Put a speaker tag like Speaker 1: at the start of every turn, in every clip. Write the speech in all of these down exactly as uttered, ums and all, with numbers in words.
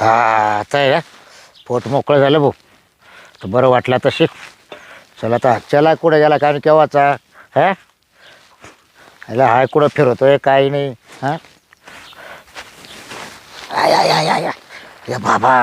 Speaker 1: हा आता आहे ना पोट मोकळं झालं भाऊ तर बरं वाटलं तशी. चला आता चला कुठं गेला काय केव्हाचा हा ह्याला हाय कुठं फिरवतोय काही नाही हां. आय आय आय आय या बाबा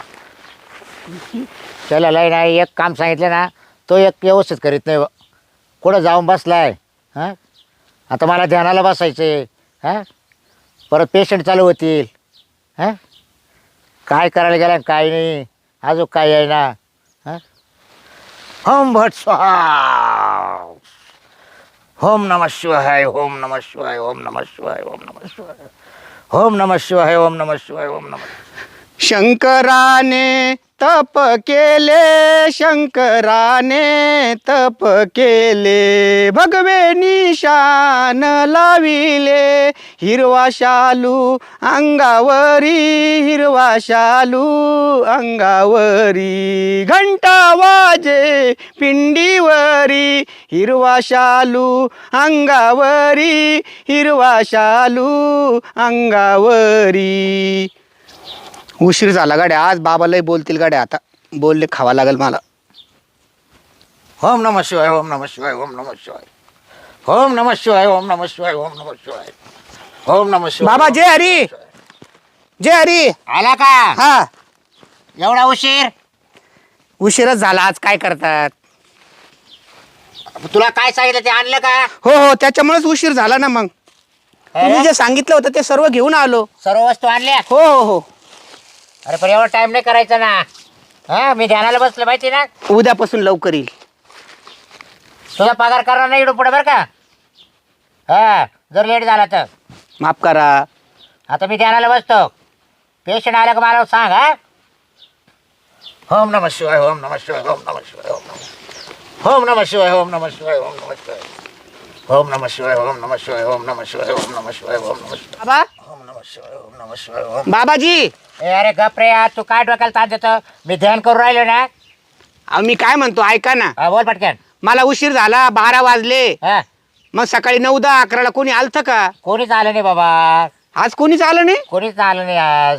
Speaker 1: चला लय नाही एक काम सांगितलं ना तो एक व्यवस्थित करीत नाही. कुठं जाऊन बसलाय हां. आता मला ध्यानाला बसायचे हां. परत पेशंट चालू होतील हां. काय करायला गेला काय नाही अजून काय आहे ना हां. ओम भट स्वाहा ओम नमः शिवाय ओम नमः शिवाय ओम नमः शिवाय ओम नमः शिवाय ओम नमः शिवाय ओम नमः शिवाय ओम नमः.
Speaker 2: शंकराने तप केले शंकराने तप केले भगवे निशान लाविले हिरवा शालू अंगावरी हिरवा शालू अंगावरी घंटा वाजे पिंडीवरी हिरवा शालू अंगावरी हिरवा शालू अंगावरी. उशीर झाला गाड्या आज बाबालाही बोलतील गाड्या आता बोलले खावा लागेल मला.
Speaker 1: ओम नमः शिवाय ओम नमः शिवाय ओम नमः शिवाय ओम नमः शिवाय ओम नमः शिवाय ओम नमः शिवाय ओम नमः शिवाय.
Speaker 2: बाबा जय हरी जय हरी.
Speaker 1: आला का
Speaker 2: हा
Speaker 1: एवढा उशीर.
Speaker 2: उशीरच झाला आज काय करतात.
Speaker 1: तुला काय सांगितलं ते आणलं का.
Speaker 2: हो हो त्याच्यामुळेच उशीर झाला ना. मग तुम्ही जे सांगितलं होतं ते सर्व घेऊन आलो.
Speaker 1: सर्व वस्तू आणल्या.
Speaker 2: हो हो हो.
Speaker 1: अरे पण एवढा टाइम नाही करायचा ना हा. मी ध्यानाला बसलं माहिती ना.
Speaker 2: उद्यापासून लवकर येईल.
Speaker 1: तुझा पगार करणार नाही इकडून पुढे बरं का. हा जर लेट झाला तर
Speaker 2: माफ करा.
Speaker 1: आता मी ध्यानाला बसतो. पेशंट आला का मला सांग हा. ओम नमः शिवाय ओम नमः शिवाय ओम नमः शिवाय ओम नमः ओम नमः शिवाय ओम नमः शिवाय ओम नमः शिवाय ओम नमः शिवाय ओम नमः शिवाय ओम नमः शिवाय ओम नमः शिवाय ओम नमः शिवाय
Speaker 2: बाबा
Speaker 1: ओम नमः शिवाय ओम नमः शिवाय ओम.
Speaker 2: बाबाजी
Speaker 1: ए अरे गप रे यार तू काय डोक्याला ताण देतो. मी ध्यान करून राहिलो ना.
Speaker 2: अहो, मी काय म्हणतो ऐका ना.
Speaker 1: हा बोल पटकन.
Speaker 2: मला उशीर झाला बारा वाजले.
Speaker 1: हा
Speaker 2: मग सकाळी नऊ दहा अकराला कोणी आलतं का.
Speaker 1: कोणीच आलं नाही बाबा.
Speaker 2: आज कोणीच आलं नाही.
Speaker 1: कोणीच आलं नाही आज.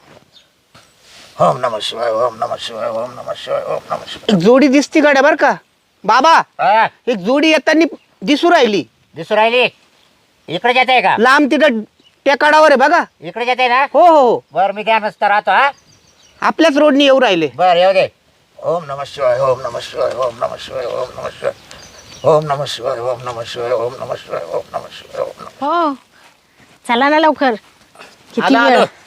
Speaker 1: ओम नमः शिवाय ओम नमः शिवाय ओम नमः शिवाय ओम नमः शिवाय.
Speaker 2: एक जोडी दिसती गाड्या बर का बाबा.
Speaker 1: हा,
Speaker 2: एक जोडी येताना दिसू राहिली.
Speaker 1: दिसू राहिली. इकडे जाते आहे का.
Speaker 2: लांब तिथं टेकाडावर आहे बघा.
Speaker 1: इकडे जाते ना.
Speaker 2: हो हो हो.
Speaker 1: बर मी त्या नसता राहतो हा.
Speaker 2: आपल्याच रोडनी येऊ राहिले.
Speaker 1: बर येऊ दे. ओम नमः शिवाय ओम नमः शिवाय ओम नमः शिवाय ओम नमः शिवाय ओम नमः शिवाय ओम नमः शिवाय ओम नमः शिवाय ओम नमः शिवाय ओम नमः.
Speaker 3: हो चला ना लवकर. किती
Speaker 2: आलो,
Speaker 3: वेळ.
Speaker 2: आलो.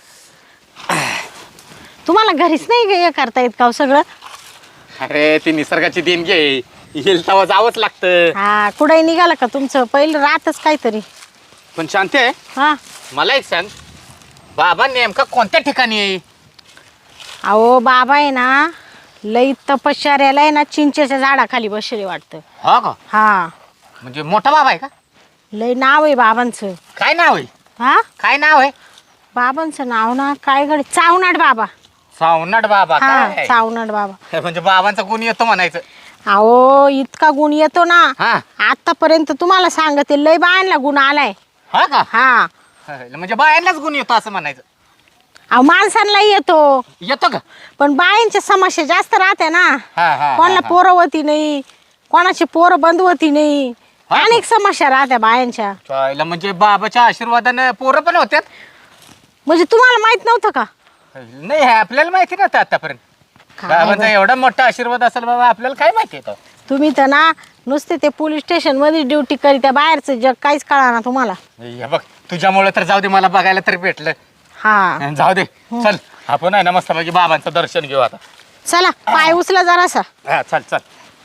Speaker 3: तुम्हाला घरीच नाही हे करता येत का हो सगळं.
Speaker 2: अरे ती निसर्गाची देणगी आहे. येईल तेव्हा जावंच लागतं.
Speaker 3: हा कुठे निघाला का तुमचं पहिलं राहतच काहीतरी.
Speaker 2: पण शांती आहे
Speaker 3: हा
Speaker 2: मला एक सांग बाबा नेमका कोणत्या ठिकाणी आहे.
Speaker 3: अहो बाबा आहे ना लई तपश्चर्याला आहे ना चिंचेच्या झाडाखाली बसले वाटतं.
Speaker 2: हा का
Speaker 3: हा
Speaker 2: म्हणजे मोठा बाबा आहे का.
Speaker 3: लई नाव आहे बाबांचं.
Speaker 2: काय नाव आहे.
Speaker 3: हा
Speaker 2: काय नाव आहे.
Speaker 3: बाबांचं नाव ना काय गड चावनाट बाबा.
Speaker 2: सावनाट बाबा
Speaker 3: हा
Speaker 2: काय?
Speaker 3: चावनाट बाबा.
Speaker 2: म्हणजे बाबांचा गुण येतो म्हणायचं.
Speaker 3: अहो इतका गुण येतो ना.
Speaker 2: हा
Speaker 3: आतापर्यंत तुम्हाला सांगते लई बायांना गुण आलाय.
Speaker 2: हा का
Speaker 3: हा
Speaker 2: म्हणजे बायांनाच गुण येतो असं म्हणायचं.
Speaker 3: अहो माणसांनाही येतो
Speaker 2: येतो का.
Speaker 3: पण बायांच्या समस्या जास्त राहते ना.
Speaker 2: हा हा
Speaker 3: कोणाला पोरं होती नाही कोणाची पोरं बंद होती नाही.
Speaker 2: हा.
Speaker 3: अनेक समस्या राहत्या बायांच्या.
Speaker 2: चायला म्हणजे बाबाच्या आशीर्वादानं पोरं पण होत्यात.
Speaker 3: म्हणजे तुम्हाला माहित नव्हतं का.
Speaker 2: नाही हे आपल्याला माहिती नव्हतं आतापर्यंत.
Speaker 3: काय
Speaker 2: बाबांचा
Speaker 3: बाई.
Speaker 2: एवढा मोठा आशीर्वाद असेल बाबा आपल्याला काय माहिती आहे.
Speaker 3: तुम्ही तर ना नुसते ते पोलीस स्टेशन मध्ये ड्युटी करीत्या बाहेरचं जग काहीच कळा ना तुम्हाला.
Speaker 2: हे बघ तुझ्यामुळे तर जाऊ दे मला बघायला तरी भेटलं.
Speaker 3: हा
Speaker 2: जाऊ दे चल आपण आहे ना मस्तपैकी बाबांचं दर्शन घेऊ आता.
Speaker 3: चला पाय उचला जरासा.
Speaker 2: हा चल चल.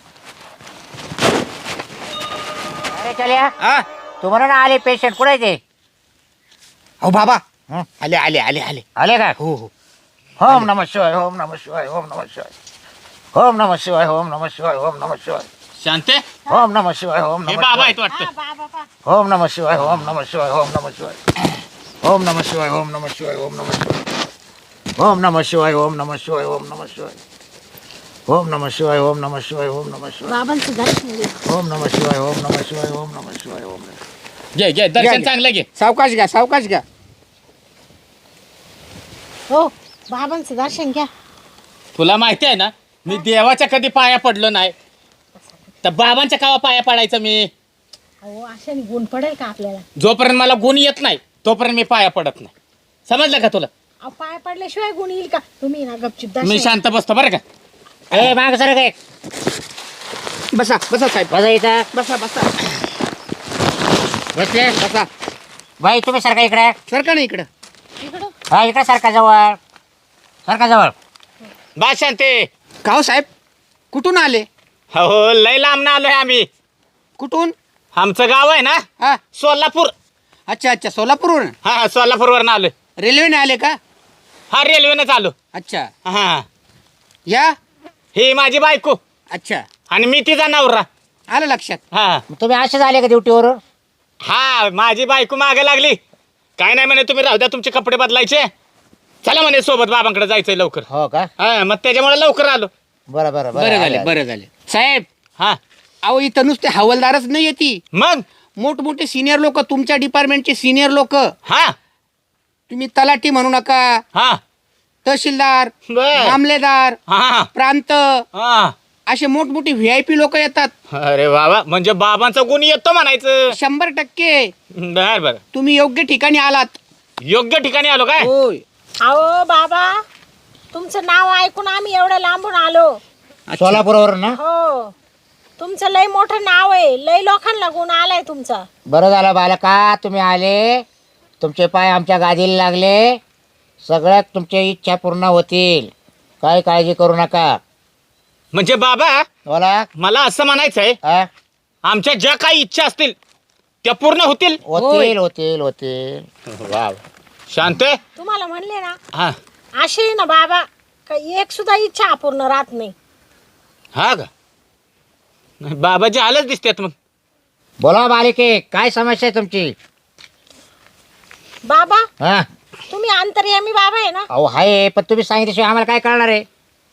Speaker 1: अरे चल्या
Speaker 2: हा
Speaker 1: तू म्हणून आले पेशंट कुठे ते.
Speaker 2: हो बाबा
Speaker 1: हं?
Speaker 2: आले आले आले आले.
Speaker 1: आले का.
Speaker 2: हो हो
Speaker 1: ओम नमः शिवाय ओम नमः शिवाय ओम नमः शिवाय ओम नमः शिवाय ओम नमः शिवाय ओम नमः शिवाय
Speaker 2: शांते
Speaker 1: ओम नमः शिवाय ओम
Speaker 2: हे
Speaker 1: नमः
Speaker 2: बाबा
Speaker 1: शिवाय
Speaker 2: आहेत वाटतं.
Speaker 1: ओम नमः शिवाय ओम नमः शिवाय ओम नमः शिवाय ओम नमः शिवाय ओम नमः शिवाय ओम नमः शिवाय ओम नमः शिवाय ओम नमः शिवाय ओम नमः शिवाय ओम नमः शिवाय ओम नमः शिवाय ओम नमः शिवाय
Speaker 3: बाबांचं दर्शन घ्या.
Speaker 1: ओम नमः शिवाय ओम नमः शिवाय ओम नमः शिवाय ओम नमः.
Speaker 2: घे घे
Speaker 1: घ्या,
Speaker 2: दर्शन
Speaker 1: घ्या.
Speaker 2: चांगलं घे.
Speaker 4: सावकाश घ्या सावकाश घ्या.
Speaker 3: हो बाबांचं दर्शन घ्या.
Speaker 4: तुला माहिती आहे ना मी देवाच्या कधी पाया पडलो नाही तर बाबांच्या कावा पाया पडायचं मी.
Speaker 3: अहो अशाने गुण पडेल का आपल्याला?
Speaker 4: जोपर्यंत मला गुण येत नाही तोपर्यंत मी पाया पडत नाही. समजलं का तुला?
Speaker 3: अहो पाय पडल्याशिवाय गुण येईल का? तुम्ही ना गपचूप
Speaker 4: मी
Speaker 3: दर्शन
Speaker 4: शांत बसतो बरं का.
Speaker 1: ए माग सर काय
Speaker 2: बसा बसा साहेब,
Speaker 1: बसा इथं
Speaker 2: बसा बसा
Speaker 1: बसले.
Speaker 2: बसा.
Speaker 1: बाई तुम्ही सारखा इकडे.
Speaker 2: सरका ना इकडं.
Speaker 3: इकडं.
Speaker 1: हा इकडे सारखा जवळ सारखा जवळ.
Speaker 4: बा शांते.
Speaker 2: का हो साहेब, कुठून आले?
Speaker 4: हो लय लांब आलोय आम्ही.
Speaker 2: कुठून?
Speaker 4: आमचं गाव आहे ना
Speaker 2: हा,
Speaker 4: सोलापूर.
Speaker 2: अच्छा अच्छा, सोलापूरवरून.
Speaker 4: हा सोलापूरवरून आलोय.
Speaker 2: रेल्वेने आले का?
Speaker 4: हा रेल्वेने चालू.
Speaker 2: अच्छा.
Speaker 4: हा
Speaker 2: या.
Speaker 4: ही माझी बायको
Speaker 2: अच्छा,
Speaker 4: आणि मी तिचा नवरा.
Speaker 2: आलं लक्षात.
Speaker 4: हा
Speaker 1: तुम्ही असेच आले का ड्युटीवरून?
Speaker 4: हा माझी बायको मागे लागली. काय नाही म्हणे तुम्ही राहू द्या तुमचे कपडे बदलायचे. चला म्हणे सोबत बाबांकडे जायचंय लवकर.
Speaker 1: हो का?
Speaker 4: हा मग त्याच्यामुळे लवकर आलो.
Speaker 1: बरं बरं
Speaker 2: बरं झाले
Speaker 1: आले,
Speaker 2: बरं झाले साहेब.
Speaker 4: हा
Speaker 2: अहो इथं नुसते हवालदारच नाही येते,
Speaker 4: मग
Speaker 2: मोठमोठे सिनियर लोक, तुमच्या डिपार्टमेंटचे सिनियर लोक.
Speaker 4: हा
Speaker 2: तुम्ही तलाठी म्हणू नका,
Speaker 4: हा
Speaker 2: तहसीलदार,
Speaker 4: बर.
Speaker 2: मामलेदार,
Speaker 4: हा
Speaker 2: प्रांत,
Speaker 4: हा.
Speaker 2: असे मोठमोठे व्ही आय पी लोक येतात.
Speaker 4: अरे बाबा म्हणजे बाबांचा गुण येतो म्हणायचं.
Speaker 2: शंभर टक्के
Speaker 4: बर बर
Speaker 2: तुम्ही योग्य ठिकाणी आलात.
Speaker 4: योग्य ठिकाणी आलो काय.
Speaker 2: होय.
Speaker 3: अहो बाबा तुमचं नाव ऐकून आम्ही एवढं लांबून आलो.
Speaker 2: अच्छा.
Speaker 1: सोलापूरवरून ना?
Speaker 3: हो तुमचं लय मोठं नाव आहे, लय लोकांना गुण आलाय तुमचा.
Speaker 1: बरं झालं बालका तुम्ही आले. तुमचे पाय आमच्या गादीला लागले. सगळ्यात तुमच्या इच्छा पूर्ण होतील, काय काळजी करू नका.
Speaker 4: म्हणजे बाबा
Speaker 1: बोला.
Speaker 4: मला असं म्हणायचं आहे
Speaker 1: हा?
Speaker 4: आमच्या ज्या काही इच्छा असतील त्या पूर्ण होतील.
Speaker 1: होतील होतील होतील.
Speaker 4: वा शांत आहे?
Speaker 3: तुम्हाला म्हणले ना
Speaker 4: हा
Speaker 3: असे ना बाबा का एक सुद्धा इच्छा अपूर्ण राहत नाही.
Speaker 4: हा का बाबाजी आलंच दिसतात मग.
Speaker 1: बोला बालिके काय समस्या आहे तुमची?
Speaker 3: बाबा
Speaker 1: हा
Speaker 3: तुम्ही अंतर्यामी बाबा आहे ना?
Speaker 1: अहो आहे, पण तुम्ही सांगितल्याशिवाय आम्हाला काय कळणार आहे?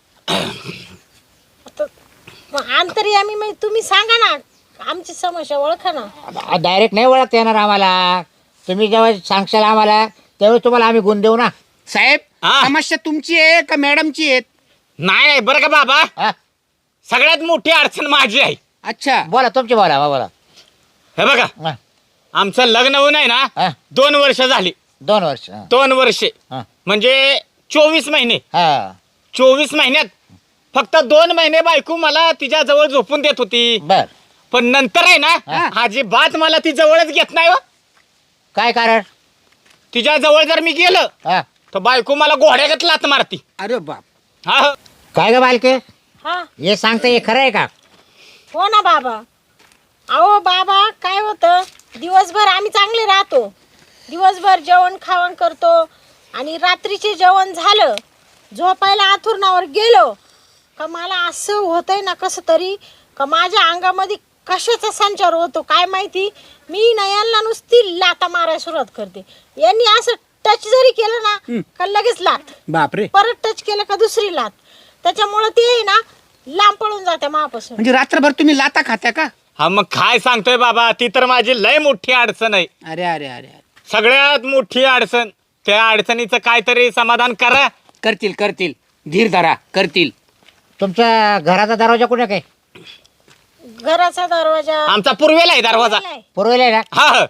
Speaker 3: आता मग अंतर्यामी म्हणजे तुम्ही सांगा ना, आमची समस्या ओळखा ना.
Speaker 1: डायरेक्ट नाही ओळखता येणार आम्हाला. तुम्ही जेव्हा सांगशाल आम्हाला त्यावेळी तुम्हाला आम्ही गुण देऊ ना.
Speaker 2: साहेब
Speaker 4: हा.
Speaker 2: समस्या तुमची आहे का मॅडमची आहे?
Speaker 4: नाही नाही बरं का बाबा
Speaker 1: हा?
Speaker 4: सगळ्यात मोठी अडचण माझी आहे.
Speaker 2: अच्छा.
Speaker 1: बोला तुमची बोला हा, बोला.
Speaker 4: हे बघा
Speaker 1: हा,
Speaker 4: आमचं लग्न होऊन आहे ना
Speaker 1: हा.
Speaker 4: दोन वर्ष झाली.
Speaker 1: दोन वर्ष हा.
Speaker 4: दोन वर्षे
Speaker 1: हा.
Speaker 4: म्हणजे चोवीस महिने.
Speaker 1: हा
Speaker 4: चोवीस महिन्यात फक्त दोन महिने बायको मला तिच्या जवळ झोपून देत होती.
Speaker 1: बर.
Speaker 4: पण नंतर आहे ना
Speaker 1: हा.
Speaker 4: अजिबात मला ती जवळच घेत नाही हो.
Speaker 1: काय कारण?
Speaker 4: तिच्या जवळ जर मी गेलं
Speaker 1: हा
Speaker 4: तर बायको मला घोड्यागत लात मारती.
Speaker 2: अरे बाप.
Speaker 4: हा हो.
Speaker 1: काय ग बालके
Speaker 3: हा
Speaker 1: हे सांगता हे खरं आहे का?
Speaker 3: हो ना बाबा. अहो बाबा काय होतं, दिवसभर आम्ही चांगले राहतो, दिवसभर जेवण खावण करतो आणि रात्रीचे जेवण झालं झोपायला आथुरणावर गेलो का मला असं होतंय ना कसं तरी का माझ्या अंगामध्ये कशाचा संचार होतो काय माहिती. मी ना यांना नुसती लाता मारायला सुरुवात करते. यांनी असं टच जरी केलं ना का लगेच लात,
Speaker 2: बापरे.
Speaker 3: परत टच केलं का दुसरी लात. त्याच्यामुळं ते आहे ना लांब पळून जाते मापासून.
Speaker 2: म्हणजे रात्रभर तुम्ही लाता खात्या का?
Speaker 4: हा मग काय सांगतोय बाबा ती तर माझी लय मोठी अडचण आहे.
Speaker 2: अरे अरे अरे अरे.
Speaker 4: सगळ्यात मोठी अडचण. त्या अडचणीचं काहीतरी समाधान करा.
Speaker 2: करतील करतील, धीर धरा, करतील.
Speaker 1: तुमच्या घराचा दरवाजा कुठे काय?
Speaker 3: घराचा दरवाजा
Speaker 4: आमचा पूर्वेला आहे दरवाजा.
Speaker 1: पूर्वेला आहे ना?
Speaker 4: हा हा.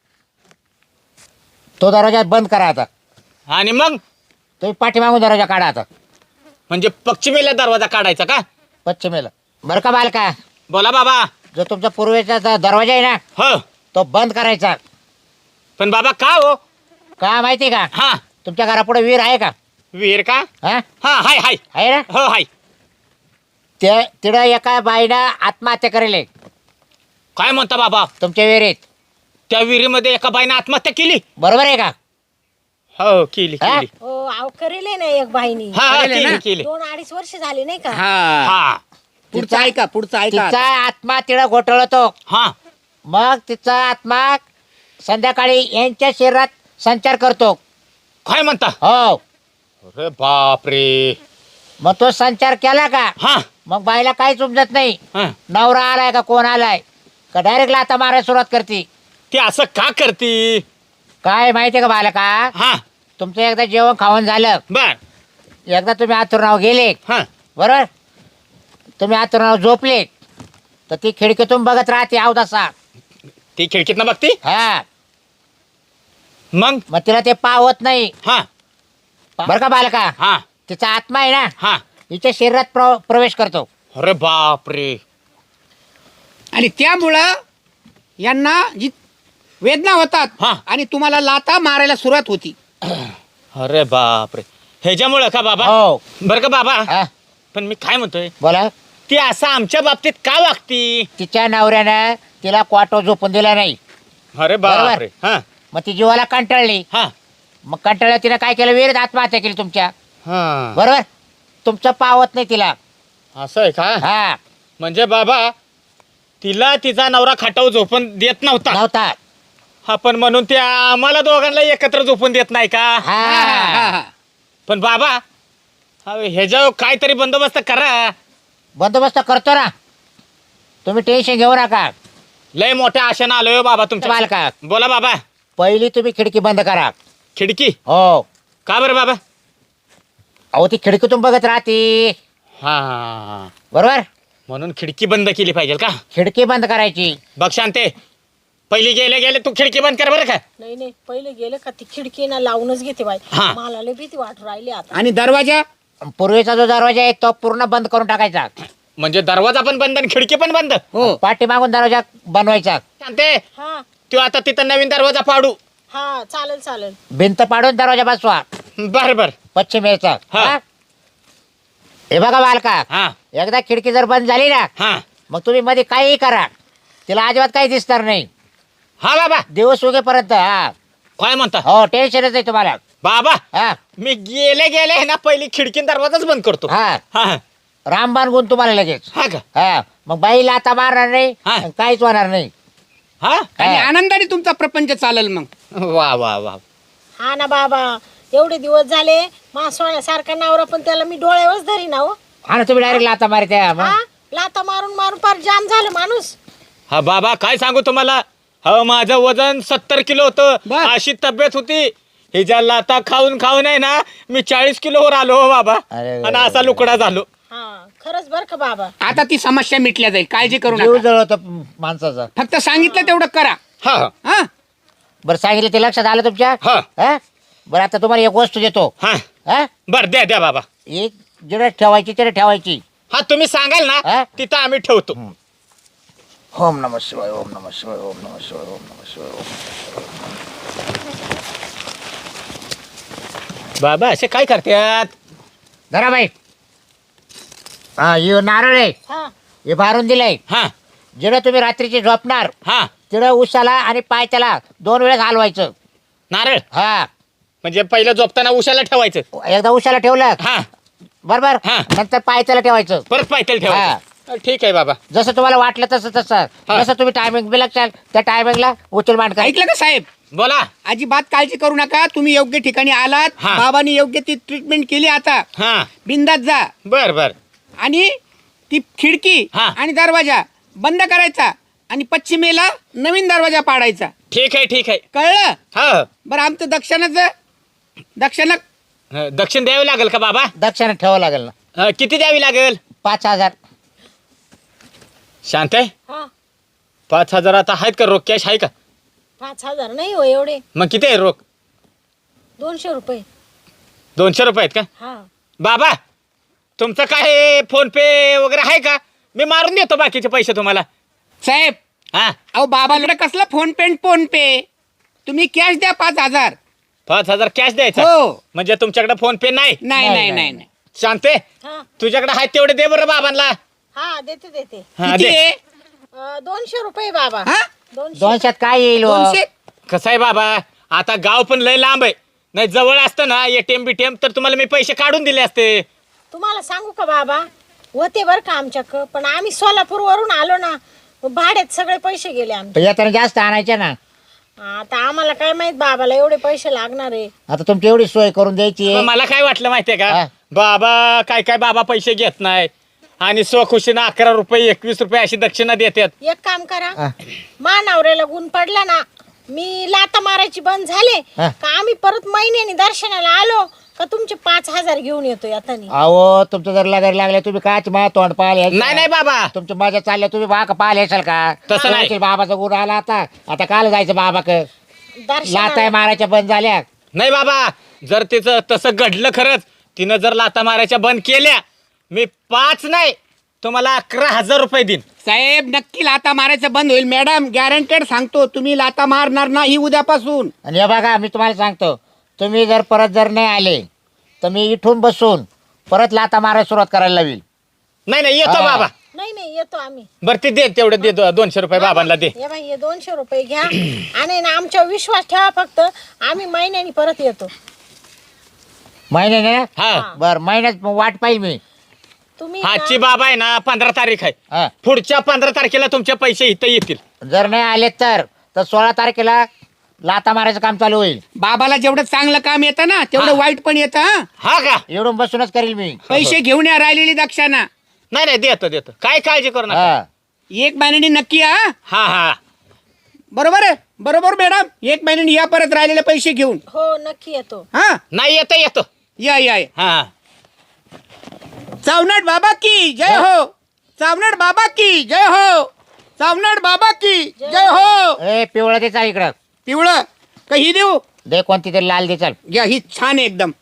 Speaker 1: तो दरवाजा बंद करा आता.
Speaker 4: आणि मग
Speaker 1: तुम्ही पाठीमागून दरवाजा काढा आता.
Speaker 4: म्हणजे पश्चिमेला दरवाजा काढायचा का?
Speaker 1: पश्चिमेला. बरं का बालका,
Speaker 4: बोला बाबा.
Speaker 1: जो तुमचा पूर्वेचा द- दरवाजा आहे ना
Speaker 4: हो
Speaker 1: तो बंद करायचा.
Speaker 4: पण बाबा का हो?
Speaker 1: का माहिती का?
Speaker 4: हा
Speaker 1: तुमच्या घरापुढे विहीर आहे का?
Speaker 4: विहीर का?
Speaker 1: हा
Speaker 4: हा हाय हाय.
Speaker 1: आहे ना?
Speaker 4: हो हाय.
Speaker 1: ते तिकडं एका बाईनं आत्महत्या करेल आहे
Speaker 4: काय म्हणता बाबा?
Speaker 1: तुमच्या विहिरीत.
Speaker 4: त्या विहिरीमध्ये एका बाईने आत्महत्या केली.
Speaker 1: बरोबर आहे का?
Speaker 4: हो केली
Speaker 1: हा?
Speaker 4: केली.
Speaker 3: हो अहो करेल ना एक बाईनी.
Speaker 4: हा हा,
Speaker 2: करेल
Speaker 4: केली
Speaker 2: ना?
Speaker 4: केली.
Speaker 3: दोन अडीच वर्ष झाले नाही का?
Speaker 2: हा.
Speaker 4: हा
Speaker 2: पुढचं ऐका, पुढचं ऐका.
Speaker 1: तिचा आत्मा तिला घोटळतो.
Speaker 4: हा
Speaker 1: मग तिचा आत्मा संध्याकाळी यांच्या शरीरात संचार करतो.
Speaker 4: काय म्हणता?
Speaker 1: हो.
Speaker 4: अरे बापरे.
Speaker 1: मग तो संचार केला का
Speaker 4: हा
Speaker 1: मग बाईला काहीच उमजत नाही.
Speaker 4: हा.
Speaker 1: नवरा आलाय का कोण आलाय का डायरेक्ट लाता मारायला सुरुवात करते.
Speaker 4: ती असं का करती?
Speaker 1: काय माहितीये का बालका,
Speaker 4: हा
Speaker 1: तुमचं एकदा जेवण खावण झालं
Speaker 4: बर
Speaker 1: एकदा तुम्ही आतुरनाव गेले
Speaker 4: हा
Speaker 1: बरोबर, तुम्ही आतुरनाव झोपले तर ती खिडकीतून बघत राहते अवदासा.
Speaker 4: ती खिडकीत ना बघती.
Speaker 1: हा
Speaker 4: मग
Speaker 1: मग तिला ते पावत नाही
Speaker 4: हा
Speaker 1: बरं का बालका.
Speaker 4: हा
Speaker 1: तिचा आत्मा आहे ना
Speaker 4: हा
Speaker 1: हिच्या शरीरात प्र- प्रवेश करतो.
Speaker 4: अरे बापरे.
Speaker 2: आणि त्यामुळं यांना जी वेदना होतात
Speaker 4: हा.
Speaker 2: आणि तुम्हाला लाता मारायला सुरुवात होती.
Speaker 4: अरे बापरे. ह्याच्यामुळं का बाबा.
Speaker 1: हो
Speaker 4: बरं का बाबा.
Speaker 1: हा
Speaker 4: पण मी काय म्हणतोय,
Speaker 1: बोला.
Speaker 4: ती असं आमच्या बाबतीत का वागती.
Speaker 1: तिच्या नवऱ्यानं तिला क्वाटो झोपून दिला नाही.
Speaker 4: अरे बापरे. हा
Speaker 1: मग ती जीवाला कंटाळली.
Speaker 4: हा
Speaker 1: मग कंटाळल्या तिनं काय केलं, विहिरीत आत्महत्या केली तुमच्या.
Speaker 4: हा
Speaker 1: बरोबर, तुमचं पावत नाही तिला.
Speaker 4: असं आहे का.
Speaker 1: हा
Speaker 4: म्हणजे बाबा तिला तिचा नवरा खाटावर झोपून देत नव्हता.
Speaker 1: नव्हता.
Speaker 4: हा पण म्हणून त्या आम्हाला दोघांना एकत्र झोपून देत नाही का.
Speaker 2: हा, हा,
Speaker 1: हा
Speaker 2: हा.
Speaker 4: पण बाबा ह्याच्यावर काहीतरी बंदोबस्त करा.
Speaker 1: बंदोबस्त करतो ना, तुम्ही टेन्शन घेऊ नका.
Speaker 4: लय मोठ्या आशेनं आलोय हो बाबा तुमच्या.
Speaker 1: बालका
Speaker 4: बोला बाबा.
Speaker 1: पहिली तुम्ही खिडकी बंद करा.
Speaker 4: खिडकी
Speaker 1: हो
Speaker 4: का बरं बाबा.
Speaker 1: अहो ती खिडकीतून बघत राहते
Speaker 4: हा
Speaker 1: बरोबर.
Speaker 4: म्हणून खिडकी बंद केली पाहिजे का.
Speaker 1: खिडकी बंद करायची.
Speaker 4: बघ शांते, पहिली गेले गेले तू खिडकी बंद कर बरं का.
Speaker 3: नाही नाही पहिले गेलं का ती खिडकी ना लावूनच घेते बाई.
Speaker 4: हा.
Speaker 3: मला लय भीती वाटू राहिली आता.
Speaker 2: आणि दरवाजा
Speaker 1: पूर्वीचा जो दरवाजा आहे तो पूर्ण बंद करून टाकायचा.
Speaker 4: म्हणजे दरवाजा पण बंद आणि खिडकी पण बंद.
Speaker 2: हो
Speaker 1: पाठीमागून दरवाजा बनवायचा.
Speaker 4: शांते
Speaker 3: हा
Speaker 4: तू आता तिथं नवीन दरवाजा पाडू.
Speaker 3: हा चालेल चालेल.
Speaker 1: भिंत पाडून दरवाजा बसवा
Speaker 4: बर बर.
Speaker 1: पश्चिमेचा.
Speaker 4: हा.
Speaker 1: हा? हे बघा बालका,
Speaker 4: हा
Speaker 1: एकदा खिडकी जर बंद झाली ना
Speaker 4: हा
Speaker 1: मग तुम्ही मध्ये काहीही करा, तिला अजिबात काही दिसणार नाही
Speaker 4: हा बाबा.
Speaker 1: दिवस उगेपर्यंत. हा
Speaker 4: काय म्हणता
Speaker 1: हो टेन्शनच नाही तुम्हाला.
Speaker 4: बाबा.
Speaker 1: हा
Speaker 4: मी गेले गेले ना पहिली खिडकी दरवाजाच बंद करतो.
Speaker 1: हा
Speaker 4: हा
Speaker 1: रामबाण गुण तुम्हाला लगेच.
Speaker 4: हा का.
Speaker 1: हा मग बाईला आता मारणार नाही
Speaker 4: हा.
Speaker 1: आणि काहीच होणार नाही.
Speaker 4: हा
Speaker 2: आणि
Speaker 1: हा.
Speaker 2: आनंदाने तुमचा प्रपंच चालेल मग.
Speaker 4: वा वा वा.
Speaker 3: हा ना बाबा, एवढे दिवस झाले मा सोन्यासारखा नवरा पण त्याला मी डोळ्यावरच धरी ना हो.
Speaker 1: हा ना, तुम्ही डायरेक्ट लाता मारते.
Speaker 3: हा लाता मारून मारून पार जाम झालं माणूस.
Speaker 4: हा बाबा काय सांगू तुम्हाला. हो माझं वजन सत्तर किलो होतं.
Speaker 2: बर.
Speaker 4: अशी तब्येत होती. हे ज्या लाता खाऊन खाऊन आहे ना मी चाळीस किलोवर आलो हो बाबा.
Speaker 1: अरे
Speaker 4: आणि असा लुकडा झालो.
Speaker 3: हा खरंच बर का बाबा.
Speaker 2: आता ती समस्या मिटल्या जाईल, काळजी करू
Speaker 1: जीव
Speaker 2: नका.
Speaker 1: जळतो माणसाचा.
Speaker 2: फक्त सांगितलं तेवढं करा.
Speaker 4: हा
Speaker 2: हा
Speaker 1: बरं सांगितलं ते लक्षात आलं तुमच्या.
Speaker 4: हा
Speaker 1: हा बरं आता तुम्हाला एक वस्तू देतो.
Speaker 4: हा
Speaker 1: हा
Speaker 4: बर द्या द्या बाबा.
Speaker 1: एक जिकडे ठेवायची तिकडे ठेवायची.
Speaker 4: हा तुम्ही सांगाल
Speaker 1: हा?
Speaker 4: ना तिथं आम्ही ठेवतो.
Speaker 1: ओम नमः शिवाय ओम नमः शिवाय ओम नमः शिवाय ओम नमः शिवाय ओम.
Speaker 4: बाबा असे काय करतात.
Speaker 1: धरा बाई. हा हे नारळ आहे,
Speaker 3: हा
Speaker 1: हे भारून दिलंय.
Speaker 4: हा
Speaker 1: जिकडे तुम्ही रात्रीची झोपणार
Speaker 4: हा
Speaker 1: तिकडे उशाला आणि पायथ्याला दोन वेळेस हलवायचं.
Speaker 4: नारळ
Speaker 1: हा
Speaker 4: म्हणजे पहिलं झोपताना उशाला ठेवायचं.
Speaker 1: एकदा उशाला ठेवलं
Speaker 4: हा
Speaker 1: बरोबर,
Speaker 4: हा.
Speaker 1: नंतर पायथ्याला ठेवायचं.
Speaker 4: परत पायथ्याला ठेवायचं. ठीक आहे बाबा.
Speaker 1: जसं तुम्हाला वाटलं तसं तसं
Speaker 4: हा.
Speaker 1: जसं तुम्ही टायमिंग बी लक्षात त्या टायमिंगला उचल मांड करा.
Speaker 2: ऐकलं का साहेब?
Speaker 4: बोला.
Speaker 2: अजिबात काळजी करू नका. तुम्ही योग्य ठिकाणी आलात.
Speaker 4: हा.
Speaker 2: बाबांनी योग्य ती ट्रीटमेंट केली. आता
Speaker 4: हा
Speaker 2: बिंदात जा
Speaker 4: बर बर.
Speaker 2: आणि ती खिडकी
Speaker 4: हा.
Speaker 2: आणि दरवाजा बंद करायचा आणि पश्चिमेला नवीन दरवाजा पाडायचा.
Speaker 4: ठीक आहे ठीक आहे.
Speaker 2: कळलं?
Speaker 4: हा
Speaker 2: बरं आमचं दक्षिणाचं दक्षिणा
Speaker 4: अ, दक्षिण द्यावी लागेल का बाबा.
Speaker 1: दक्षिण ठेवावं लागेल ना.
Speaker 4: अ, किती द्यावी लागेल.
Speaker 1: पाच हजार.
Speaker 4: शांत आहे.
Speaker 3: हा
Speaker 4: पाच हजार आता आहेत का रोख कॅश आहे का.
Speaker 3: पाच हजार नाही हो एवढे.
Speaker 4: मग किती आहे रोख.
Speaker 3: दोनशे रुपये.
Speaker 4: दोनशे रुपये आहेत का.
Speaker 3: हा
Speaker 4: बाबा तुमचं काय फोन पे वगैरे आहे का. मी मारून देतो बाकीचे पैसे तुम्हाला.
Speaker 2: साहेब
Speaker 4: हा
Speaker 2: अहो बाबाकडे कसला फोन पे फोन पे तुम्ही कॅश द्या पाच हजार.
Speaker 4: पाच हजार कॅश द्यायचा.
Speaker 2: हो.
Speaker 4: म्हणजे तुमच्याकडे फोन पे नाही.
Speaker 2: नाही
Speaker 1: नाही,
Speaker 2: नाही
Speaker 1: नाही,
Speaker 2: नाही नाही.
Speaker 4: शांते
Speaker 3: हा
Speaker 4: तुझ्याकडे आहेत तेवढे दे बरं बाबांना.
Speaker 3: हा देते देते.
Speaker 4: हा,
Speaker 2: किती
Speaker 4: दे.
Speaker 2: आहे?
Speaker 3: अं, दोनशे रुपये बाबा.
Speaker 2: हा?
Speaker 3: दोनशे.
Speaker 1: दोनशेत काय येईल हो?
Speaker 2: दोनशे.
Speaker 4: कसं आहे बाबा आता गाव पण लय लांब आहे. नाही जवळ असतं ना एटीएम बीटीएम तर तुम्हाला मी पैसे काढून दिले असते.
Speaker 3: तुम्हाला सांगू का बाबा, होते बरं का आमच्याक, पण आम्ही सोलापूर वरून आलो ना, भाड्यात सगळे पैसे गेले आमचे.
Speaker 1: पण येताना जास्त आणायचे ना.
Speaker 3: आता आम्हाला काय माहित बाबाला एवढे पैसे लागणार आहे.
Speaker 1: आता तुमची एवढी सोय करून द्यायची.
Speaker 4: मग मला काय वाटलं माहितीये का
Speaker 1: हा.
Speaker 4: बाबा काय काय बाबा पैसे घेत नाही आणि स्वखुशीनं अकरा रुपये एकवीस रुपये अशी दक्षिणा देतात.
Speaker 3: एक काम करा,
Speaker 1: हा.
Speaker 3: मा नवऱ्याला गुण पडला ना मी लाता मारायची बंद झाले
Speaker 1: हा.
Speaker 3: का आम्ही परत महिन्यानी दर्शनाला आलो का तुमचे पाच हजार घेऊन येतो यातानी.
Speaker 1: अहो तुमचं जर लागायला लागले तुम्ही काय माझ्या तोंड पाहिले
Speaker 4: नाही नाही बाबा
Speaker 1: तुमच्या माझ्या चालल्या तुम्ही बा का पाहिले असाल का
Speaker 4: तसं नाही.
Speaker 1: तुमच्या बाबाचा गुण आला आता आता काल जायचं बाबा क लाताय
Speaker 3: दर्शनाला
Speaker 1: मारायच्या बंद झाल्या.
Speaker 4: नाही बाबा जर तिचं तसं घडलं खरंच तिनं जर लाता मारायच्या बंद केल्या मी पाच नाही तुम्हाला अकरा हजार रुपये देईन.
Speaker 2: साहेब नक्की लाता मारायचं बंद होईल मॅडम, गॅरंटेड सांगतो. तुम्ही लाता मारणार नाही उद्यापासून.
Speaker 1: आणि हे बघा मी तुम्हाला सांगतो तुम्ही जर परत जर नाही आले तर मी इथून बसून परत लाता मारायला सुरुवात करायला लावील.
Speaker 4: नाही नाही येतो
Speaker 1: हा.
Speaker 4: बाबा.
Speaker 3: नाही नाही येतो आम्ही.
Speaker 4: बरं ते दे तेवढं दे दो- दोनशे रुपये बाबांना दे.
Speaker 3: हे बाई हे दोनशे रुपये घ्या आणि ना आमच्यावर विश्वास ठेवा फक्त. आम्ही महिन्यानी परत येतो.
Speaker 1: महिन्याने
Speaker 4: हा
Speaker 1: बर महिन्यात वाट पाहिजे मी.
Speaker 3: तुम्ही
Speaker 4: आजची
Speaker 3: ना-
Speaker 4: बाबा आहे ना पंधरा तारीख आहे.
Speaker 1: हा.
Speaker 4: पुढच्या पंधरा तारखेला तुमचे पैसे इथं येतील.
Speaker 1: जर नाही आले तर तर सोळा तारखेला लाता मारायचं काम चालू होईल.
Speaker 2: बाबाला जेवढं चांगलं काम येतं ना तेवढं
Speaker 4: हा.
Speaker 2: वाईट पण येतं. हा.
Speaker 4: हा का
Speaker 1: एवढून बसूनच करील मी.
Speaker 2: पैसे घेऊन या राहिलेली दक्षाना.
Speaker 4: नाही नाही देतो देतो काय काळजी करू नका.
Speaker 1: हा.
Speaker 2: एक महिन्यानी नक्की या.
Speaker 4: हा हा
Speaker 2: बरोबर आहे बरोबर मॅडम. एक महिन्यानी या परत राहिलेले पैसे घेऊन.
Speaker 3: हो नक्की येतो.
Speaker 2: हा
Speaker 4: नाही येतो येतो.
Speaker 2: या या या.
Speaker 4: हा
Speaker 2: चावनाड बाबा की जय हो. चावनाड बाबा की जय हो. चावनाड बाबा की जय हो.
Speaker 1: ए पिवळा दे चाल इकडं.
Speaker 2: पिवळं का ही देऊ.
Speaker 1: दे कोणती तरी लाल दे चाल.
Speaker 2: घ्या ही छान आहे एकदम.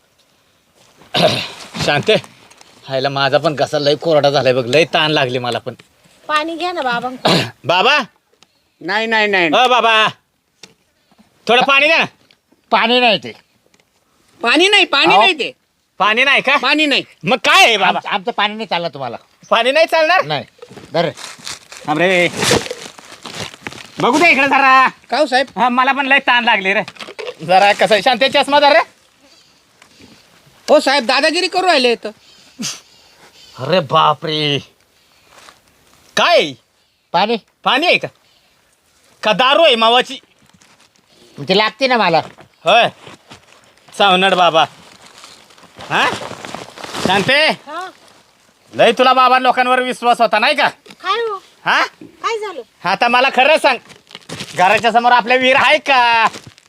Speaker 4: शांते हायला माझा पण घसा लय कोरडा झालाय बघ. लय ताण लागली मला पण.
Speaker 3: पाणी घ्या ना बाबा.
Speaker 4: बाबा
Speaker 2: नाही नाही नाही
Speaker 4: अ बाबा थोडं पाणी द्या ना.
Speaker 1: पाणी नाही ते.
Speaker 2: पाणी नाही पाणी
Speaker 1: अहो.
Speaker 2: नाही ते.
Speaker 4: पाणी नाही का
Speaker 2: पाणी नाही.
Speaker 4: मग काय आहे बाबा.
Speaker 1: आमचं आमचं पाणी नाही चाललं तुम्हाला.
Speaker 4: पाणी नाही चालणार.
Speaker 1: नाही दर
Speaker 4: अरे बघू दे इकडे जरा.
Speaker 2: का हो साहेब.
Speaker 4: हा मला पण लय ताण लागली रे. जरा कसं आहे शांती चष्मा धर रे.
Speaker 2: हो साहेब दादागिरी करू राहिले तर.
Speaker 4: अरे बापरे काय
Speaker 1: पाणी
Speaker 4: पाणी आहे का का दारू आहे मावाची.
Speaker 1: ती लागते ना मला.
Speaker 4: होय चावनड बाबा. हा शांते
Speaker 3: हा
Speaker 4: लय तुला बाबा लोकांवर विश्वास होता नाही का.
Speaker 3: काय हो
Speaker 4: हा
Speaker 3: काय झालं.
Speaker 4: आता मला खरं सांग घराच्या समोर आपल्या विहीर आहे का.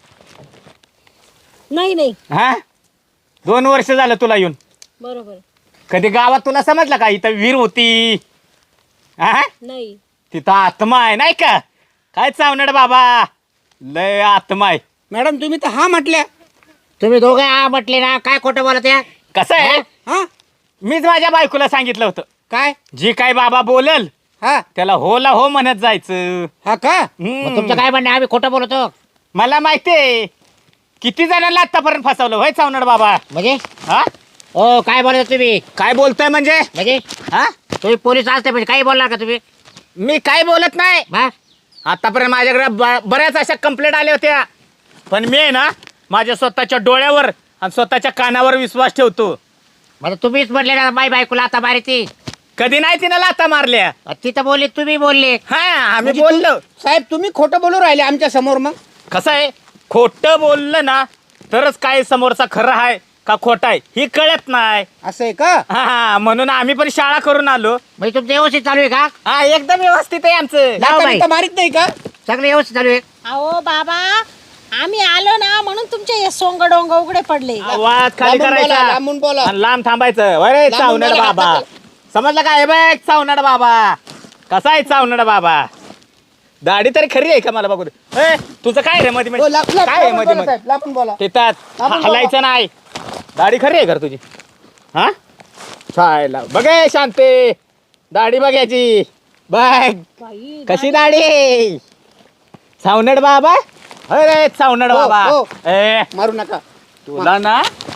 Speaker 3: नाही नाही
Speaker 4: हा दोन वर्ष झालं तुला येऊन.
Speaker 3: बरोबर
Speaker 4: कधी गावात तुला समजलं का इथं विहीर होती. हा
Speaker 3: नाही.
Speaker 4: तिथं आत्मा आहे नाही का. काय चावनड बाबा लय आत्मा आहे.
Speaker 2: मॅडम तुम्ही तर हा म्हटल्या.
Speaker 1: तुम्ही दोघे आ म्हटले ना काय खोटं बोलत आहे?
Speaker 4: कसं आहे
Speaker 2: हा
Speaker 4: मीच माझ्या बायकोला सांगितलं होतं
Speaker 2: काय.
Speaker 4: जी काय बाबा बोलल
Speaker 2: हा
Speaker 4: त्याला होला हो म्हणत जायचं.
Speaker 2: हा का.
Speaker 4: हम्म.
Speaker 1: मग तुमचं काय म्हणणं आहे? आम्ही खोटं बोलतो
Speaker 4: मला माहितीये किती जणांना आतापर्यंत फसवलं होय चावनड बाबा.
Speaker 1: म्हणजे
Speaker 4: हा
Speaker 1: ओ काय बोलत तुम्ही
Speaker 4: काय बोलतोय म्हणजे
Speaker 1: म्हणजे
Speaker 4: हा
Speaker 1: तुम्ही पोलीस असते म्हणजे काही बोलणार का तुम्ही?
Speaker 4: मी काय बोलत नाही.
Speaker 1: हा
Speaker 4: आतापर्यंत माझ्याकडे ब- बऱ्याच अशा कंप्लेंट आल्या होत्या पण मी आहे ना माझ्या स्वतःच्या डोळ्यावर आणि स्वतःच्या कानावर विश्वास ठेवतो.
Speaker 1: म्हणजे तुम्हीच म्हटले ना माई बायकोला आता मारायची.
Speaker 4: कधी नाही तिनं लाता मारल्या.
Speaker 1: तिथं बोलले तुम्ही बोलले.
Speaker 4: हा आम्ही
Speaker 2: म्हणजे
Speaker 4: बोललो.
Speaker 2: साहेब तुम्ही खोटं बोलू राहिले आमच्या समोर. मग
Speaker 4: कसं आहे खोटं बोललं ना तरच काय समोरचा खरं आहे का खोटा आहे ही कळत नाही.
Speaker 2: असं आहे का.
Speaker 4: हा म्हणून आम्ही पण शाळा करून आलो.
Speaker 1: म्हणजे तुमचं व्यवस्थित चालू आहे का?
Speaker 4: हा एकदम व्यवस्थित आहे आमचं.
Speaker 1: जाऊ
Speaker 2: लाथा
Speaker 1: बाई.
Speaker 2: बिथा मारित नाही का.
Speaker 1: सगळं व्यवस्थित चालू आहे.
Speaker 3: अहो बाबा आम्ही आलो ना म्हणून तुमचे हे सोंग डोंग उघडे पडले.
Speaker 4: आवाज खाली
Speaker 2: लांबून बोला,
Speaker 4: करायचा
Speaker 2: लांबून बोला.
Speaker 4: आणि लांब थांबायचं. अरे
Speaker 2: लांबून
Speaker 4: चावनड
Speaker 2: बोला,
Speaker 4: बाबा
Speaker 2: हात
Speaker 4: समजलं काय बघ चावनड बाबा कसा आहे चावनड बाबा. दाढी तरी खरी आहे का मला बघू दे. ए, तुझं काय रे मध्ये
Speaker 2: हो, ला- ला-
Speaker 4: काय आहे
Speaker 2: लांबून
Speaker 4: मध्ये
Speaker 2: बोला, साहेब, लांबून बोला.
Speaker 4: तिथं
Speaker 2: लांबून
Speaker 4: हलायचं नाही. दाढी खरी आहे का रे तुझी. हा चायला बघ ए, शांते दाढी बघायची बघ
Speaker 3: बाई,
Speaker 4: कशी दाढी. चावनड बाबा अरे चावनड
Speaker 2: हो,
Speaker 4: बाबा
Speaker 2: हो.
Speaker 4: ए
Speaker 2: मारू नका.
Speaker 4: तुला ना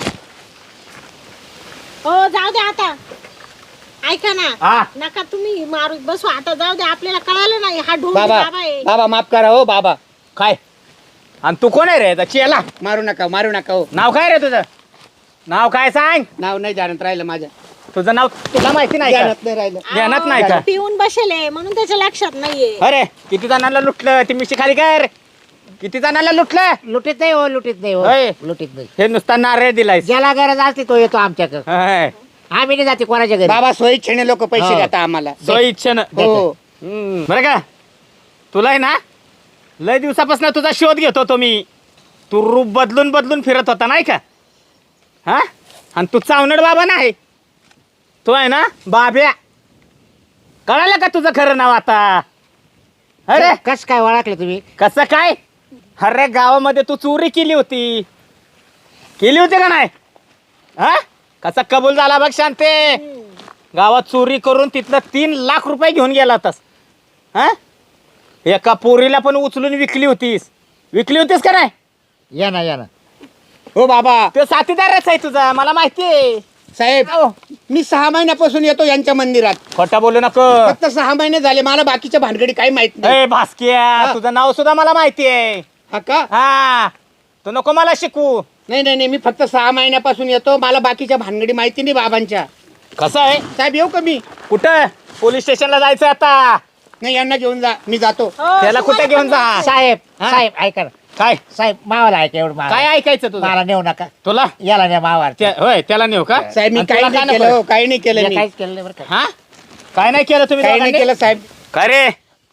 Speaker 3: हो जाऊ दे आता. ऐका ना
Speaker 4: हा
Speaker 3: नका तुम्ही मारू बसू आता. जाऊ दे आपल्याला कळालं नाही हा ढोंग
Speaker 2: बाबा
Speaker 3: बाबा आहे.
Speaker 2: बाबा माफ करा हो बाबा.
Speaker 4: काय आणि तू कोण आहे रे याचा चेला.
Speaker 2: मारू नका मारू नका हो.
Speaker 4: नाव काय रे तुझं नाव काय सांग.
Speaker 2: नाव नाही जाणत राहिलं माझ्या.
Speaker 4: तुझं नाव तुला माहिती नाही का.
Speaker 2: ध्यानात नाही राहिलं.
Speaker 4: ध्यानात
Speaker 3: अहो,
Speaker 4: नाही का?
Speaker 3: पिऊन बसेले म्हणून त्याच्या लक्षात नाहीये.
Speaker 4: अरे किती जणांना लुटलं ती मिशी खाली कर. किती जणांना लुटलं.
Speaker 1: लुटीत नाही हो लुटीत नाही हो
Speaker 4: होय.
Speaker 1: लुटीत नाही.
Speaker 4: हे नुसता नारळ दिलाय.
Speaker 1: ज्याला गरज असते तो येतो आमच्याकडे. आम्ही नाही जाते कोणाच्या घरी.
Speaker 2: बाबा सोयीच्छेने लोक पैसे
Speaker 1: हो.
Speaker 2: देतात आम्हाला.
Speaker 4: सो इच्छेनं
Speaker 2: हो
Speaker 4: हम्म, बरं का तुला आहे ना लय दिवसापासून तुझा शोध घेत होतो मी. तू रूप बदलून बदलून फिरत होता नाही का? हा, आणि तू चावनड बाबा नाही, तो आहे ना बाब्या. कळालं का तुझं खरं नाव आता? अरे
Speaker 1: कस काय ओळखलं तुम्ही?
Speaker 4: कसं काय? अरे गावामध्ये तू चोरी केली होती, केली होती का नाही? हा, कसा कबूल झाला बघ शांते. गावात चोरी करून तिथनं तीन लाख रुपये घेऊन गेला होतास. हा, एका पोरीला पण उचलून विकली होतीस. विकली होतीस का नाही?
Speaker 1: या ना या ना.
Speaker 2: हो बाबा
Speaker 4: तो साथीदारच आहे तुझा, मला माहिती आहे.
Speaker 2: साहेब मी सहा महिन्यापासून येतो यांच्या मंदिरात.
Speaker 4: खोटा बोलू नको.
Speaker 2: फक्त सहा महिने झाले, मला बाकीच्या भानगडी काही माहित नाही.
Speaker 4: ए भास्किया, तुझं नाव सुद्धा मला माहिती आहे.
Speaker 2: हा का?
Speaker 4: हा, तू नको मला शिकू.
Speaker 2: नाही नाही नाही, मी फक्त सहा महिन्यापासून येतो, मला बाकीच्या भानगडी माहिती नाही बाबांच्या.
Speaker 4: कसं आहे?
Speaker 2: साहेब येऊ का मी?
Speaker 4: कुठं? पोलीस स्टेशनला जायचं आता.
Speaker 2: नाही यांना घेऊन जा, मी जातो.
Speaker 3: हो,
Speaker 4: त्याला कुठे
Speaker 3: तुम्हाला
Speaker 4: घेऊन
Speaker 3: पण
Speaker 4: जा?
Speaker 1: साहेब
Speaker 4: हा?
Speaker 1: साहेब ऐका ना.
Speaker 4: काय
Speaker 1: साहेब मावाला ऐका एवढं मावा.
Speaker 4: काय ऐकायचं तुझं?
Speaker 1: मला नेऊ नका.
Speaker 4: तुला
Speaker 1: याला नाही मावा.
Speaker 4: त्या- होय त्याला नेऊ का?
Speaker 2: साहेब मी
Speaker 4: आणि
Speaker 2: काही
Speaker 4: तुला
Speaker 2: नाही
Speaker 4: काय
Speaker 2: केलं,
Speaker 4: नको?
Speaker 2: हो, काही नाही केलं मी.
Speaker 1: काहीच केलं नाही बरं का.
Speaker 4: हा, काय नाही केलं तुम्ही
Speaker 2: काही नाही
Speaker 4: दोघांनी?
Speaker 2: केलं साहेब.
Speaker 4: काय रे,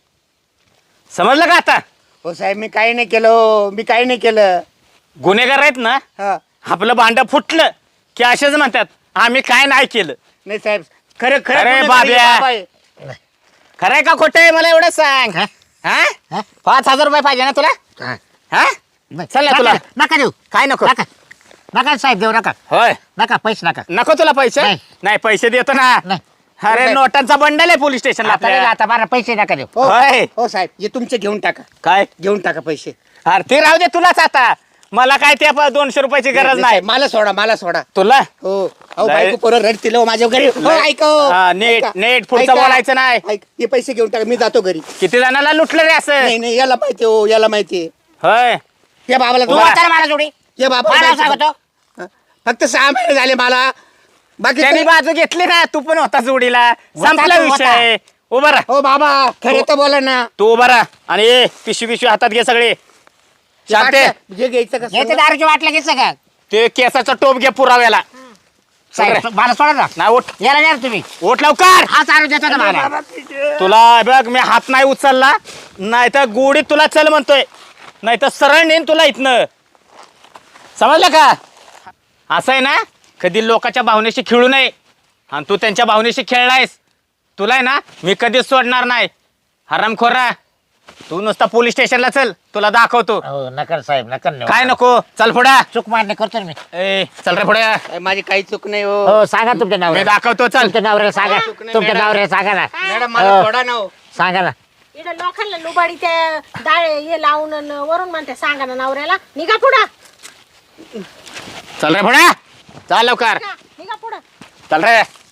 Speaker 4: समजलं का आता?
Speaker 2: हो साहेब मी काही नाही केलं, हो. मी काही नाही केलं.
Speaker 4: गुन्हेगार आहेत ना,
Speaker 2: हा
Speaker 4: आपलं भांड फुटलं की असेच म्हणतात आम्ही काय नाही केलं.
Speaker 2: नाही साहेब, खरं खरं
Speaker 4: अरे
Speaker 2: गुन्हेगारी
Speaker 4: बाब्या.
Speaker 2: बाबा आहे.
Speaker 4: खरंय का खोटं आहे मला एवढं सांग.
Speaker 1: हा?
Speaker 4: हा,
Speaker 1: हा?
Speaker 4: पाच हजार रुपये पाहिजे ना तुला?
Speaker 1: हा.
Speaker 4: हा,
Speaker 1: नाही.
Speaker 4: चल ना
Speaker 1: नका-
Speaker 4: तुला.
Speaker 1: नका देऊ.
Speaker 4: काय नको?
Speaker 1: नका नका साहेब देऊ नका.
Speaker 4: होय,
Speaker 1: नका पैसे नका.
Speaker 4: नको तुला पैसे?
Speaker 1: नाही.
Speaker 4: नाही पैसे देतो ना.
Speaker 1: नाही.
Speaker 4: अरे नोटांचा बंडल आहे पोलीस स्टेशनला
Speaker 1: आता नाही,
Speaker 4: आपल्या.
Speaker 1: आता मला पैसे नका देऊ.
Speaker 2: हो
Speaker 4: होय.
Speaker 2: हो साहेब, हे तुमचे घेऊन टाका,
Speaker 4: काय?
Speaker 2: घेऊन टाका पैसे.
Speaker 4: अरे ते राहू दे तुलाच आता. मला काय त्या प- दोनशे रुपयाची गरज नाही.
Speaker 2: साहेब, मला सोडा, मला सोडा.
Speaker 4: तुला
Speaker 2: हो अहो
Speaker 4: नाही.
Speaker 2: बायको पोरं रडतील हो माझ्या घरी. हो,
Speaker 4: नाही.
Speaker 2: ऐका हो.
Speaker 4: हा, नीट-
Speaker 2: ऐका.
Speaker 4: नीट पुढचं
Speaker 2: ऐका.
Speaker 4: बोलायचं नाही.
Speaker 2: ऐक, हे पैसे घेऊन टाका, मी जातो घरी.
Speaker 4: किती जणांना लुटलं रे असं?
Speaker 2: नाही नाही, याला माहिती हो, याला माहिती.
Speaker 4: होय,
Speaker 2: या बाबाला
Speaker 1: तू
Speaker 4: उभा.
Speaker 1: आता मला जोडी.
Speaker 2: या बाबा
Speaker 1: मला सांगतो.
Speaker 2: फक्त सहा महिने झाले मला. बाकी
Speaker 4: त्यांनी बाजू घेतली ना, तू पण होता जोडीला. संपला
Speaker 1: तू होता.
Speaker 4: विषय. उभा राहा,
Speaker 2: हो बाबा खरे तर बोला ना.
Speaker 4: तू उभा राहा आणि ए, पिशवी पिशवी हातात घे सगळे. शांते,
Speaker 2: वाटलं, जे घ्यायचं का
Speaker 1: याचं दारूची वाटलं की सगळं.
Speaker 4: ते केसाचा टोप घे पुराव्याला.
Speaker 1: साहेब मला सोडा ना.
Speaker 4: नाही उठ,
Speaker 1: याला द्या ना तुम्ही.
Speaker 4: उठ लवकर.
Speaker 1: हा चालू देतो ना मला.
Speaker 4: तुला बघ मी हात नाही उचलला, नाही तर गोडीत तुला चल म्हणतोय, नाही तर सरळ नेन तुला इथनं. समजलं का? असं आहे ना, कधी लोकांच्या भावनेशी खेळू नये. आणि तू त्यांच्या भावनेशी खेळलायस, तुला आहे ना मी कधीच सोडणार नाही. हरामखोरा, तू नुसता पोलीस स्टेशनला चल, तुला दाखवतो.
Speaker 1: हो नका साहेब नका नेऊ.
Speaker 4: काय नको, चल पुढे.
Speaker 1: चूक मान्य करतो ना मी.
Speaker 4: ए चल रे पुढे.
Speaker 2: साहेब, माझी काही चूक नाही हो.
Speaker 1: हो सांगा तुमच्या
Speaker 4: मी
Speaker 1: नवऱ्याला.
Speaker 4: दाखवतो, चल.
Speaker 1: तुमच्या नवऱ्याला सांगा.
Speaker 2: चूक नाही,
Speaker 1: तुमच्या
Speaker 2: मॅडम.
Speaker 1: नवऱ्याला सांगा ना.
Speaker 2: मॅडम मला
Speaker 1: हो.
Speaker 2: सोडा ना हो.
Speaker 1: सांगा ना.
Speaker 3: इकडे लोकांना लुबाडी त्या डाळे हे लावून अन वरून म्हणते सांगा ना नवऱ्याला निघा पुढं.
Speaker 4: चल रे पुढे, चल लवकर,
Speaker 3: निघा पुढं.
Speaker 4: चल रे.